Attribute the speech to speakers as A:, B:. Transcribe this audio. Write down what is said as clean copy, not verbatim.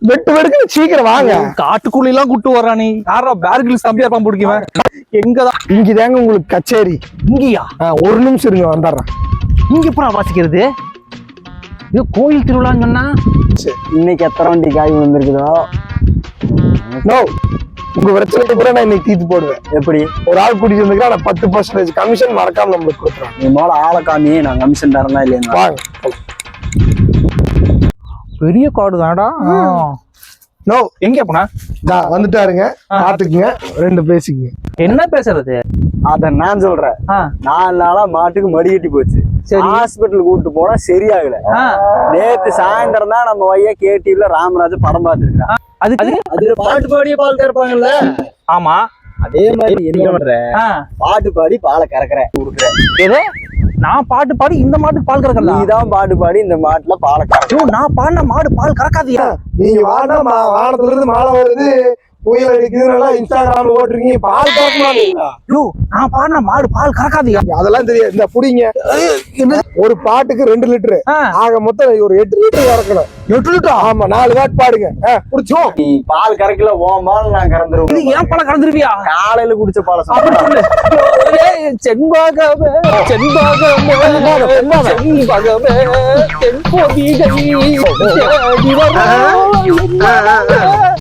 A: வெட்டு வெடுக்கு சீக்கிரம் வாங்க.
B: காட்டுக்குள்ள எல்லாம் கூட்டு வர்றானே. யாரா பேர்கில் தம்பியா இருப்பான் பிடிக்குவேன். எங்கதான்
A: இங்கதாங்க உங்களுக்கு கச்சேரி.
B: இங்கயா?
A: ஒரு நிமிஷம் இருங்க, வந்துடுறேன்.
B: இங்க எப்பறம் வாசிக்கிறது? இது கோயில் திருவிழான்னு சொன்னா
C: இன்னைக்கு எத்தனை வண்டி காய் வந்திருக்குதோ.
A: நோ, உங்க பிரச்சனைக்கு கூட நான் இன்னைக்கு தீர்த்து போடுவேன்.
C: எப்படி?
A: ஒரு ஆள் கூட்டிட்டு வந்துருக்கா, நான் 10% கமிஷன் மறக்காம நம்மளுக்கு கொடுத்துறேன்.
C: நீ மேல ஆளை காமி, நான் கமிஷன் தரேன்னா இல்லையா?
A: வாங்க.
B: பெரிய காடு தானடா.
A: நோ,
B: எங்க போனா?
A: வந்துட்டாருங்க, பாத்துக்குங்க, ரெண்டு பேசிக்குங்க.
B: என்ன பேசுறது?
C: அத நான் சொல்றேன். 4 நாளா மாட்டுக்கு மடி கட்டி போச்சு. ஹாஸ்பிட்டல் கூட்டு போனா சரியாகல. நேத்து சாயந்தரம் தான் நம்ம வையா கேடிவில ராமராஜ் படம் பார்த்துருக்கான். அதுல பாட்டு பாடியே பால் கறப்பாங்கல்ல.
B: ஆமா,
C: அதே மாதிரி என்ன பண்ற? பாட்டு பாடி பாலை கறக்குறேன்.
B: நான் பாட்டு பாடி இந்த மாட்டுக்கு பால் கறக்கல.
C: நீதான் பாட்டு பாடி இந்த மாட்டுல பாலை கறக்கும்.
B: நான் பாடின மாடு பால் கறக்காதியா?
A: நீங்க வானத்துல இருந்து மாலை வருது, புயல் அடிக்குதுன்னா இன்ஸ்டாகிராம்ல ஓட்டுறீங்க, பால் கறக்குமா?
B: நான் பாடின மாடு பால் கறக்காதியா?
A: அதெல்லாம் தெரியாது. இந்த புடிங்க, ஒரு பாட்டுக்கு 2 லிட்டரு, ஆக மொத்தம் ஒரு 8 லிட்டர் கறக்கணும். 8 லிட்டர்? ஆமா, 4 வாட் பாடுங்க. புடிச்சோம்.
C: நீ பால் கறக்கல, ஓம் பால் நான் கறந்துருவேன்.
B: இது ஏன் பால் கறந்துருவியா?
C: காலையில குடிச்ச பாலை
B: செண்பாகமே செண்பொதிகை